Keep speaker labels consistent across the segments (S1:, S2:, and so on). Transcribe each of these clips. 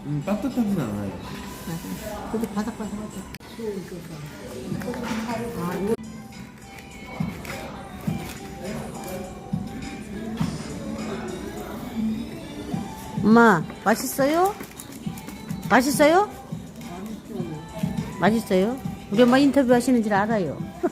S1: 따뜻하진 않아요.
S2: 맞아. 그래도 바삭바삭하죠.
S3: 엄마, 맛있어요? 맛있어요? 맛있어요? 우리 엄마 인터뷰 하시는 줄 알아요.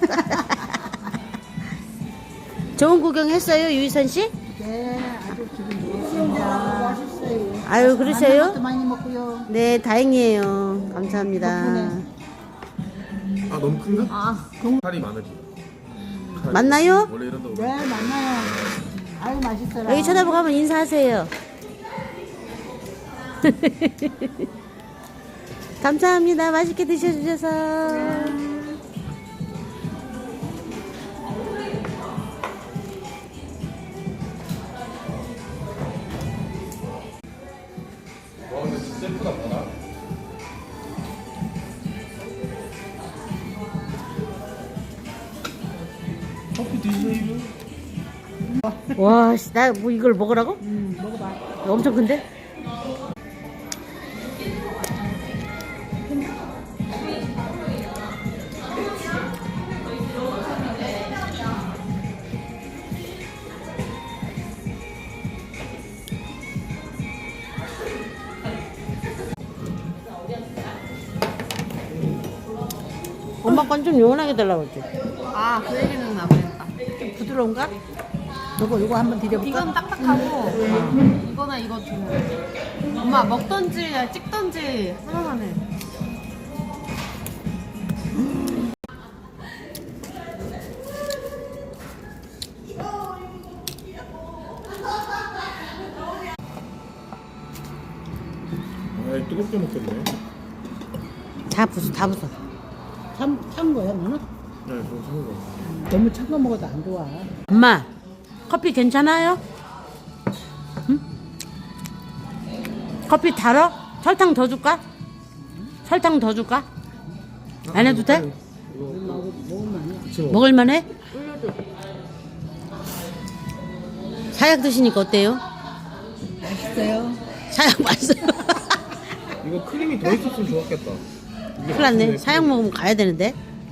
S3: 좋은 구경 했어요, 유희선 씨?
S2: 네, 아주 기분 좋습니다. 맛있어요.
S3: 아유, 그러세요?
S2: 것도 많이 먹고요.
S3: 네, 다행이에요. 감사합니다.
S2: 덕분에.
S1: 아 너무 큰가?
S2: 아,
S1: 살이 많으지.
S3: 맞나요?
S1: 원래 이런다고.
S2: 네, 만나요. 아유, 맛있어라.
S3: 여기 쳐다보고 한번 인사하세요. 감사합니다. 맛있게 드셔주셔서.
S1: 와 근데 진짜 예쁘다 봐라. 커피 드세요.
S3: 와, 씨, 나 뭐 이걸 먹으라고?
S2: 먹어봐.
S3: 엄청 큰데? 엄마 건 좀 요원하게 달라고 했지.
S4: 아, 그 얘기는 나 그랬다.
S3: 좀 부드러운가?
S2: 요거 한번 드려볼까?
S4: 이건 딱딱하고 이거나 이거 좀 엄마 먹던지 찍던지 하나만 해.
S1: 아 뜨겁게 먹겠네.
S3: 다 부숴, 다 부숴.
S2: 찬 거야, 너는?
S1: 네, 좀 찬 거.
S2: 너무 찬 거 먹어도 안 좋아.
S3: 엄마, 커피 괜찮아요? 응? 커피 달어? 설탕 더 줄까? 설탕 더 줄까? 안 해도 돼?
S1: 그치 뭐.
S3: 먹을만해? 사약 드시니까 어때요?
S2: 맛있어요.
S3: 사약 맛있어요.
S1: 이거 크림이 더 있었으면 좋았겠다.
S3: 큰일 났네. 사약 먹으면 가야 되는데.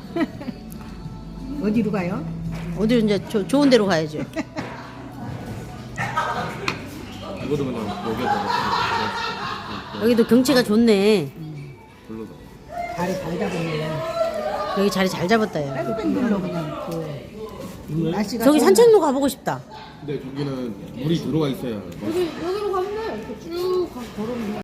S2: 어디로 가요?
S3: 어디로 이제 좋은 데로 가야죠.
S1: 이거도 그냥 여기에다가
S3: 여기도 경치가 좋네.
S1: 불러다.
S2: 다리 잘 잡았네.
S3: 여기 자리 잘 잡았다, 야.
S2: 뺑뺑돌로 그냥 날씨가
S3: 저기
S2: 좋은
S3: 산책로 가보고 싶다.
S1: 근데 저기는 물이 들어와 있어야.
S4: 여기로 가면 돼. 쭉 걸으면 돼.